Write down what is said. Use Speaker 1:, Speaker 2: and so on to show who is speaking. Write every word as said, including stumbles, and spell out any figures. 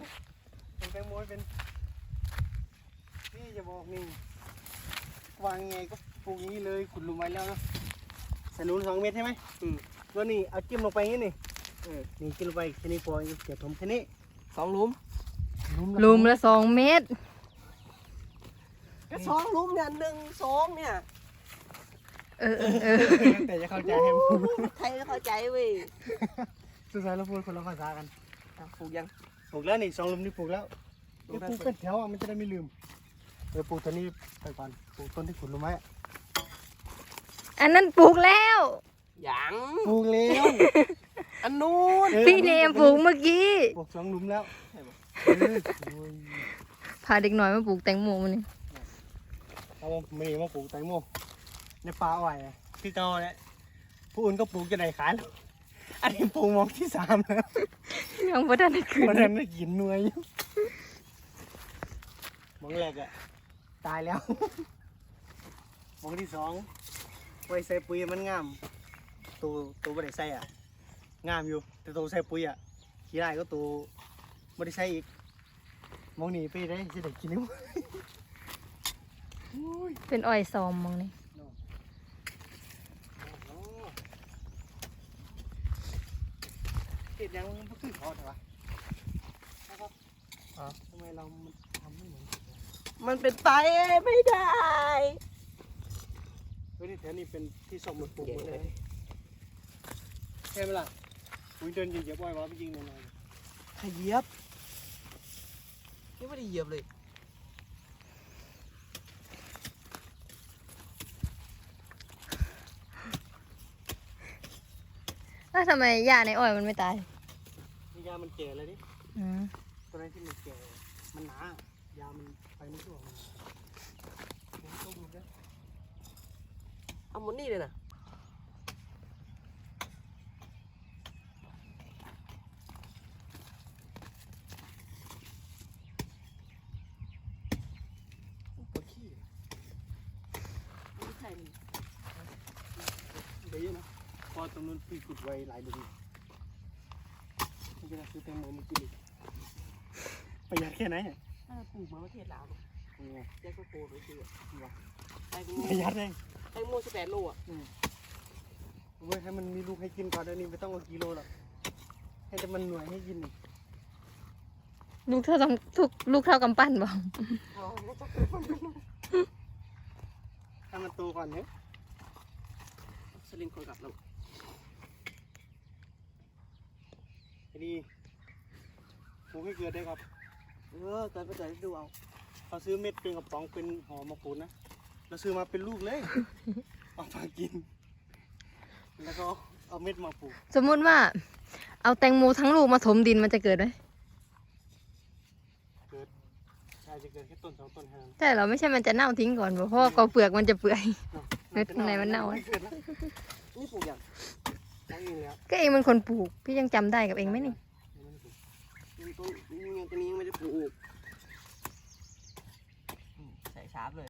Speaker 1: เป็นแตงโมเป็นนี่จะบอกนี่วางไงก็ปลูกอย่างนี้เลยขุดหลุมไว้แล้วนะใส่หนุนสองเมตรใช่ไหมอืมก็นี่เอาจิ้มลงไปอย่างนี้นี่เออนี่จิ้มลงไปแค่นี้พอเกี่ยวถมแค่นี้สองหลุม
Speaker 2: ลุมละสองเมตร
Speaker 3: ก็สองหลุมเนี่ยหนึ่งสองเนี่ย
Speaker 2: เออเออเออ
Speaker 1: แต่จะเข้าใจให้พูด
Speaker 3: ใครจะเข้าใจเว้ย
Speaker 1: สุดท้ายเราพูดคนละภาษากัน
Speaker 3: ปลูกยัง
Speaker 1: ปลูกแล้วนี่สองหลุมนี่ปลูกแล้วปลูกเป็นแถวอ่ะมันจะได้ไม่ลืมเออปลูกตัวนี้ไปก่อนปลูกต้นที่ขุดหลุมไว้
Speaker 2: อันนั้นปลูกแล้ว
Speaker 3: ยัง
Speaker 1: ปลูกแล้ว
Speaker 3: อันนู้น
Speaker 2: พี่เนมปลูกเมื่อกี้
Speaker 1: ปลูกสองหลุมแล้ว
Speaker 2: พาเด็กหน่อยมาปลูกแตงโมมันนี่
Speaker 1: เอาไม่มาปลูกแตงโมในป่าอ้อยคือเก่าแหละผู้อื่นก็ปลูกจะได้ขายแล้วอันนี้ปลูกมองที่สามแล้ว
Speaker 2: ยังบ่ทันได้ขึ้น
Speaker 1: วันนั้นได้กินหน่วยอยู่มองแรกอะตายแล้วมองที่สองไว้ใส่ปุ๋ยมันงามตัวตัวไม่ได้ใส่อะงามอยู่แต่ตัวใส่ปุ๋ยอะขี้ได้ก็ตัวไม่ได้ใส่อีกมองหนีไปได้จะได้กินนิ้ว
Speaker 2: เป็นอ้อยซอมมองนี่
Speaker 1: เห็ดยังมันขึ้นเขาใช่ปะนะครับอ๋อทำไมเรามันทำไม่เหมือนกัน
Speaker 3: มันเป็นไปไม่ได้
Speaker 1: เฮ้ยนี่แถวนี้เป็นที่ส่งหมดปลูกหมดเลยใช่ไหมล่ะอุ้ยเดินเหยียบอ้อยวะไม่ยิงหน่อย
Speaker 3: ขยียบนี่ไม่ได้เหยียบเลย
Speaker 2: แล้วทำไมหญ้าในอ้อยมันไม่ตาย
Speaker 1: นี่ยามันแก่เลยดิ
Speaker 2: อืม
Speaker 1: ตัวนั้นที่มันแก่มันหนายามันไปไม่ทั่วมันต้มเลย
Speaker 3: เอาหมดนี่เลยนะปวดขี้ไม่ใช่นี่
Speaker 1: เดี๋ยวนะพอตรงนู้นพี่ขุดไว้หลายเดือนมันจะได้ซื้อแตงโมมากินอีกประหยัดแค่ไหนเนี่ย
Speaker 3: ถ้าปลูกมาประเทศลาว
Speaker 1: ยังไง
Speaker 3: แจ็คก็โกรธไปคือแตงโม
Speaker 1: ประหยัดเลย
Speaker 3: แตงโมสิบแปดโลอ่ะ
Speaker 1: เว้ยให้มันมีลูกให้กินก่อนเดี๋ยวนี้ไม่ต้องเอากิโลหรอกให้แต่มันหน่วยให้กินนี่
Speaker 2: ลูกเท่าต้องทุกลูกเท่ากำปั้นบอก
Speaker 3: เอาแล้วจะ
Speaker 1: ให้มันโตก่อนเนี่ย
Speaker 3: สลิงคนกลับแล้ว
Speaker 1: ไอ้นี่ปลูกให้เกิดได้ครับ
Speaker 3: เออตอนไปจ่ายดูเอา
Speaker 1: เขาซื้อเม็ดเป็นกระป๋องเป็นห่อมาปลูกนะเราซื้อมาเป็นลูกเลย เอามากิน แล้วก็เอาเม็ดมาปลูก
Speaker 2: สมมุติว่า เอาแตงโมทั้งลูกมาถมดินมันจะเกิดไหม
Speaker 1: เกิดอาจจะเกิดแค่ต้นสองต้นแค่นั้น
Speaker 2: ใช่เหรอไม่ใช่มันจะเน่าทิ้งก่อนบ่เพราะว่ากอเปลือกมันจะเปื่อย เม็ดข้างในมันเน่าอะ
Speaker 1: เกิดแล้ว
Speaker 3: นี่ปลูกอย่าง
Speaker 1: ตั้งเองแล้ว
Speaker 2: ก็เองเป็นคนปลูกพี่ยังจำได้กับเองไหมนี่
Speaker 3: นี่ต้นนี่ยังตัวนี้ยังไม่ได้ปลูกใส่ชาร์ปเลย